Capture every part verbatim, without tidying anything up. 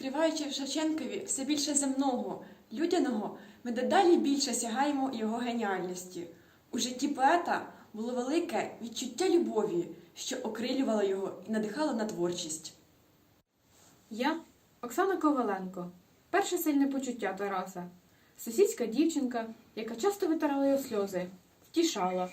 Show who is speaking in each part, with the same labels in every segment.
Speaker 1: Відкриваючи в Шевченкові все більше земного, людяного, ми дедалі більше сягаємо його геніальності. У житті поета було велике відчуття любові, що окрилювало його і надихало на творчість.
Speaker 2: Я Оксана Коваленко. Перше сильне почуття Тараса. Сусідська дівчинка, яка часто витирала його сльози, втішала.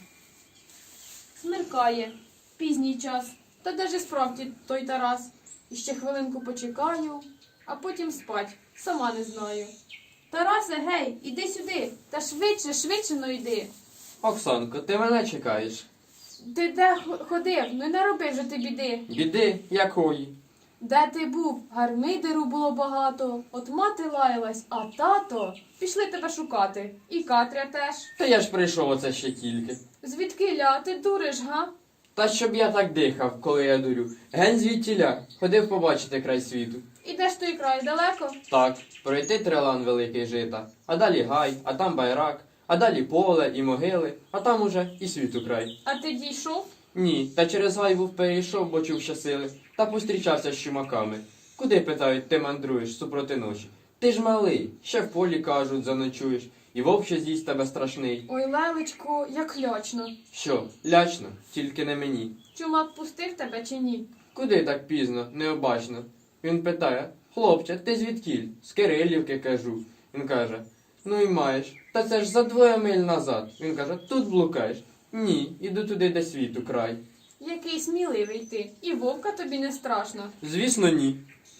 Speaker 2: Смеркає, пізній час, та де ж справді той Тарас? Іще хвилинку почекаю, а потім спать, сама не знаю. Тарасе, гей, іди сюди, та швидше, швидше, ну йди.
Speaker 3: Оксанко, ти мене чекаєш?
Speaker 2: Ти де ходив? Ну не роби вже ти біди.
Speaker 3: Біди якої?
Speaker 2: Де ти був? Гармидеру було багато. От мати лаялась, а тато пішли тебе шукати. І Катря теж.
Speaker 3: Та я ж прийшов оце ще тільки.
Speaker 2: Звідкиля? Ти дуриш, га?
Speaker 3: Та щоб я так дихав, коли я дурю. Ген звідтіля, ходив побачити край світу.
Speaker 2: І де ж той край? Далеко?
Speaker 3: Так, пройти трилан великий жита, а далі гай, а там байрак, а далі поле і могили, а там уже і світу край.
Speaker 2: А ти дійшов?
Speaker 3: Ні, та через гай був перейшов, бо чув щасили, та пострічався з чумаками. Куди, питають, ти мандруєш супроти ночі? Ти ж малий, ще в полі, кажуть, заночуєш, і вовк ще з'їсть тебе страшний.
Speaker 2: Ой, лелечку, як лячно.
Speaker 3: Що, лячно, тільки не мені.
Speaker 2: Чумак пустив тебе чи ні?
Speaker 3: Куди так пізно, необачно? Він питає: хлопче, ти звідкіль? З Кирилівки, кажу. Він каже: ну і маєш. Та це ж за двоє миль назад. Він каже: тут блукаєш. Ні, іду туди, де світу край.
Speaker 2: Який сміливий ти. І вовка тобі не страшно.
Speaker 3: Звісно, ні.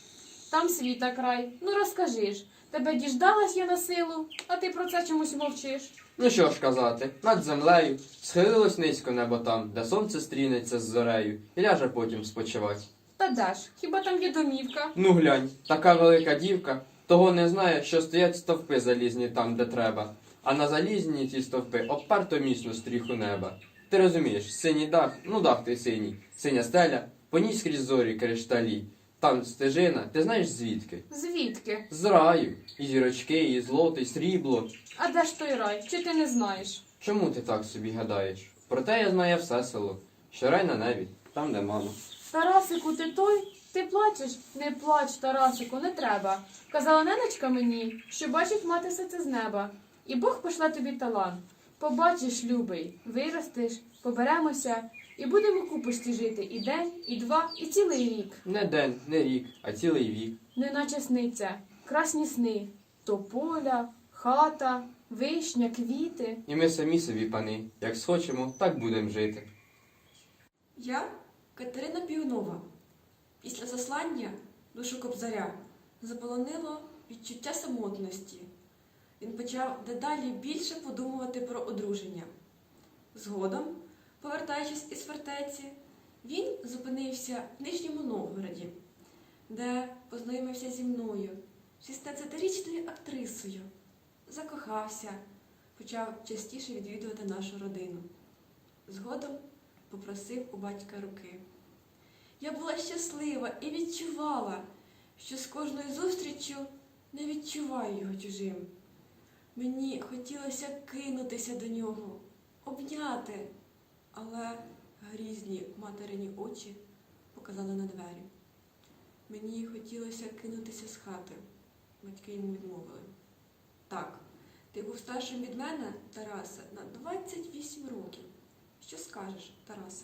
Speaker 2: Там світа край. Ну розкажи ж. Тебе діждалась я на силу, а ти про це чомусь мовчиш.
Speaker 3: Ну що ж казати, над землею схилилось низько небо там, де сонце стрінеться з зорею, і ляже потім спочивать.
Speaker 2: Та де ж, хіба там є домівка?
Speaker 3: Ну глянь, така велика дівка того не знає, що стоять стовпи залізні там, де треба, а на залізні ці стовпи обперто міцно стріху неба. Ти розумієш, синій дах, ну дах той синій, синя стеля, по ній скрізь зорі кришталі. Там стежина, ти знаєш звідки?
Speaker 2: Звідки?
Speaker 3: З раю. І зірочки, і злото, і срібло.
Speaker 2: А де ж той рай? Чи ти не знаєш?
Speaker 3: Чому ти так собі гадаєш? Проте я знаю все село, що рай на небі, там, де мама.
Speaker 2: Тарасику, ти той? Ти плачеш? Не плач, Тарасику, не треба. Казала ненечка мені, що бачить мати все це з неба. І Бог пошле тобі талант. Побачиш, любий, виростеш, поберемося і будемо купості жити і день, і два, і цілий рік.
Speaker 3: Не день, не рік, а цілий вік.
Speaker 2: Неначе сниться, красні сни, тополя, хата, вишня, квіти.
Speaker 3: І ми самі собі, пани, як схочемо, так будемо жити.
Speaker 1: Я Катерина Піонова. Після заслання душу Кобзаря заполонило відчуття самотності. Він почав дедалі більше подумувати про одруження. Згодом, повертаючись із фортеці, він зупинився в Нижньому Новгороді, де познайомився зі мною, шістнадцятирічною актрисою. Закохався, почав частіше відвідувати нашу родину. Згодом попросив у батька руки. Я була щаслива і відчувала, що з кожною зустріччю не відчуваю його чужим. Мені хотілося кинутися до нього, обняти, але грізні материні очі показали на двері. Мені хотілося кинутися з хати. Батьки йому відмовили. Так, ти був старшим від мене, Тарасе, на двадцять вісім років. Що скажеш, Тарасе?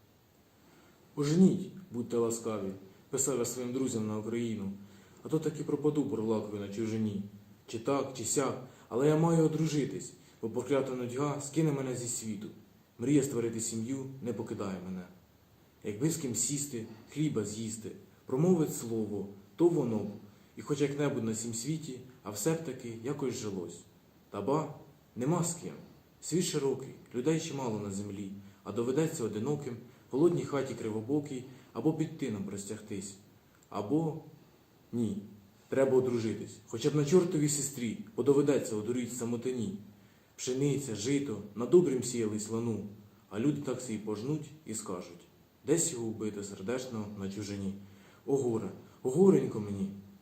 Speaker 4: Оженіть, будьте ласкаві, писав я своїм друзям на Україну, а то таки пропаду бурлакові на чужині. Чи так, чи сяк, але я маю одружитись, бо проклята нудьга скине мене зі світу. Мрія створити сім'ю не покидає мене. Якби з ким сісти, хліба з'їсти, промовить слово, то воно б, і хоч як-небудь на сім світі, а все б таки якось жилось. Та ба, нема з ким. Світ широкий, людей ще мало на землі, а доведеться одиноким, в холодній хаті кривобокій, або під тином простягтись. Або ні, треба одружитись, хоча б на чортовій сестрі, бо доведеться одуріть самотині. Пшениця, жито, на добрім сіялись лану, а люди так сі пожнуть і скажуть: десь його вбити сердечно на чужині. О горе, о горенько мені,